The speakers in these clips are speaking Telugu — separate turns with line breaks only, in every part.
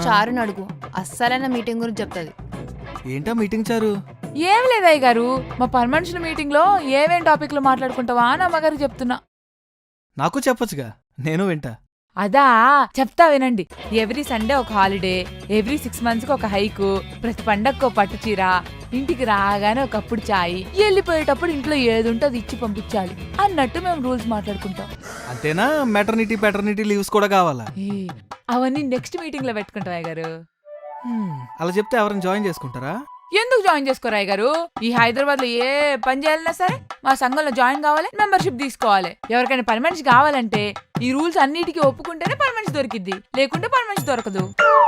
చారుని అడుగు, అస్సలైన మీటింగ్ గురించి చెప్తుంది.
ఏంటా మీటింగ్ చారు?
ఏం లేదయ్య గారు, మా పర్మనెన్షన్ మీటింగ్ లో ఏమేం టాపిక్లు మాట్లాడుకుంటావా అని అమ్మగారికి చెప్తున్నా.
నాకు చెప్పొచ్చుగా, నేను వింటా.
అదా చెప్తా వినండి. ఎవ్రీ సండే ఒక హాలిడే, ఎవ్రీ 6 months కి ఒక హైకు, ప్రతి పండగకు పట్టు చీర, ఇంటికి రాగానే ఒకప్పుడు చాయ్, వెళ్ళిపోయేటప్పుడు ఇంట్లో ఏది ఉంటే అది ఇచ్చి పంపించాలి అన్నట్టు మేము రూల్స్ మాట్లాడుకుంటాం.
అంతేనా? మెటర్నిటీ లీవ్స్ కూడా కావాలా?
అవన్నీ నెక్స్ట్ మీటింగ్ లో పెట్టుకుంటాం అయ్య గారు.
అలా చెప్తే ఎవరైనా జాయిన్ చేసుకుంటారా?
ఎందుకు జాయిన్ చేసుకోరా అయ్య గారు? ఈ హైదరాబాద్ లో ఏ పని చేయాలన్నా సరే మా సంఘంలో జాయిన్ కావాలి, మెంబర్షిప్ తీసుకోవాలి. ఎవరికైనా పర్మనెన్స్ కావాలంటే ఈ రూల్స్ అన్నిటికీ ఒప్పుకుంటేనే పర్మనెన్స్ దొరికిద్ది, లేకుంటే పర్మనెన్స్ దొరకదు.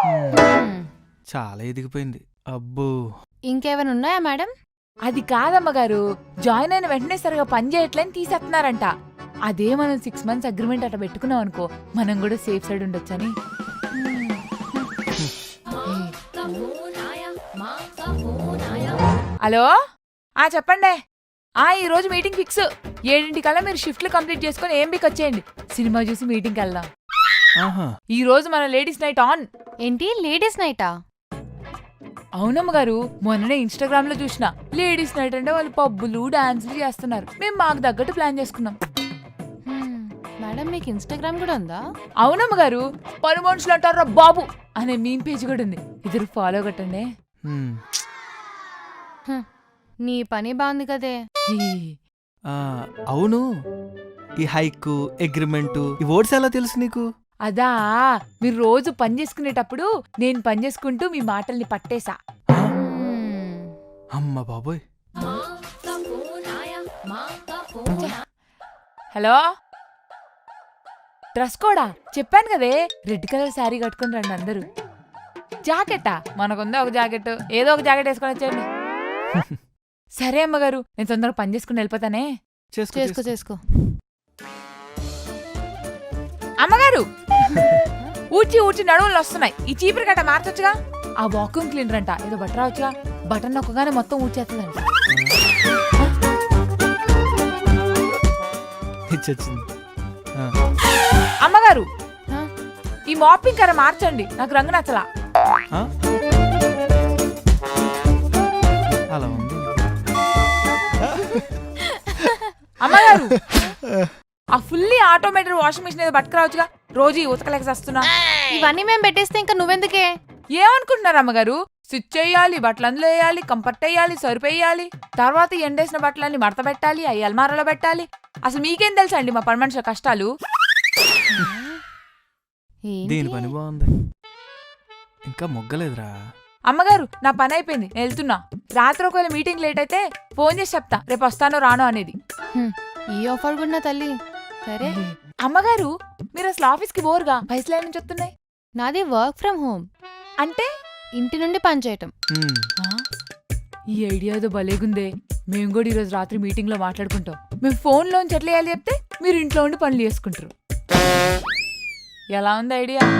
చాలా ఎదిగిపోయింది. అబ్బో,
ఇంకేమైనా ఉన్నాయా మేడం?
అది కాదమ్మ గారు, జాయిన్ అయిన వెంటనే సరిగా పని చేయట్లేని తీసేస్తున్నారంట. అదే మనం 6 months అగ్రిమెంట్ అట్లా పెట్టుకున్నాం అనుకో, మనం కూడా సేఫ్ సైడ్ ఉండొచ్చని. హలో, చెప్పండి. ఈ రోజు మీటింగ్ ఫిక్స్. 7 మీరు షిఫ్ట్లు కంప్లీట్ చేసుకుని ఏంబికి వచ్చేయండి. సినిమా చూసి మీటింగ్కి వెళ్దాం. ఈ రోజు మన లేడీస్ నైట్ ఆన్.
ఏంటి లేడీస్ నైటా?
అవునమ్మ గారు, మొన్ననే ఇన్స్టాగ్రామ్ లో చూసిన. లేడీస్ నైట్ అంటే వాళ్ళు పబ్బులు డాన్సులు చేస్తున్నారు. మేము మాకు తగ్గట్టు ప్లాన్ చేసుకున్నాం.
మేడం మీకు ఇన్స్టాగ్రామ్ కూడా ఉందా?
అవునమ్మ గారు, పని మనుషులు అంటారా బాబు అనే మీమ్ పేజ్ కూడా ఉంది. ఇద్దరు ఫాలో కొట్టండి.
నీ పని బాగుంది కదే.
అవును, ఈ హైక్ అగ్రిమెంట్ ఈ వర్డ్స్ ఎలా తెలుసు నీకు?
అదా, మీరు రోజు పని చేసుకునేటప్పుడు నేను పని చేసుకుంటూ మీ మాటల్ని పట్టేశా.
అమ్మ బాబోయ్.
హలో, డ్రెస్ కోడా చెప్పాను కదే, రెడ్ కలర్ శారీ కట్టుకుని రండి అందరూ. జాకెట్టా? మనకుందా ఒక జాకెట్, ఏదో ఒక జాకెట్ వేసుకొని వచ్చేయండి. సరే అమ్మగారు, నేను తొందరగా పని చేసుకుని వెళ్ళిపోతానే.
చేసుకో చేసుకో.
అమ్మగారు, ఊడ్చి నడువులు వస్తున్నాయి. ఈ చీపురు గట్ట మార్చొచ్చుగా. ఆ వాక్యూమ్ క్లీనర్ అంట, ఏదో బట్ట రావచ్చుగా. బటన్ నొక్కగానే మొత్తం ఊడ్చేస్తుందంట. అమ్మగారు, ఈ మాపింగ్ కర్ర మార్చండి, నాకు రంగు నచ్చలా.
అలా ఉంది.
అమ్మగారు, ఆ ఫుల్లీ ఆటోమేటెడ్ వాషింగ్ మిషన్ ఏదో పట్టుకురావచ్చుగా. రోజు ఉతకలేక వస్తున్నా.
ఇవన్నీ మేము పెట్టేస్తే ఇంకా నువ్వెందుకే?
ఏమనుకుంటున్నారు అమ్మగారు? స్విచ్ చేయాలి, బట్టలు అందులో వేయాలి, కంఫర్ట్ వేయాలి, సరుపు వేయాలి, తర్వాత ఎండేసిన బట్టలన్నీ మడత పెట్టాలి, అవి అల్మారాలో పెట్టాలి. అసలు మీకేం తెలుసా అండి మా పని మనుషుల కష్టాలు?
దీని పని బాగుంది, ఇంకా మొగ్గలేదురా.
అమ్మగారు, నా పని అయిపోయింది, నేను వెళ్తున్నా. రాత్రి ఒకవేళ మీటింగ్ లేట్ అయితే ఫోన్ చేసి చెప్తా రేపు వస్తానో రానో అనేది.
ఈ ఆఫర్ కూడా తల్లి. సరే
అమ్మగారు, మీరు అసలు ఆఫీస్కి బోర్గా పైసలు నుంచి వస్తున్నాయి.
నాది వర్క్ ఫ్రమ్ హోమ్,
అంటే
ఇంటి నుండి పని చేయటం.
ఈ ఐడియా ఏదో భలేగుందే. మేము కూడా ఈరోజు రాత్రి మీటింగ్ లో మాట్లాడుకుంటాం. మేము ఫోన్ లోంచి ఎట్లా వేయాలి చెప్తే మీరు ఇంట్లో ఉండి పనులు చేసుకుంటారు. ఎలా ఉంది ఐడియా?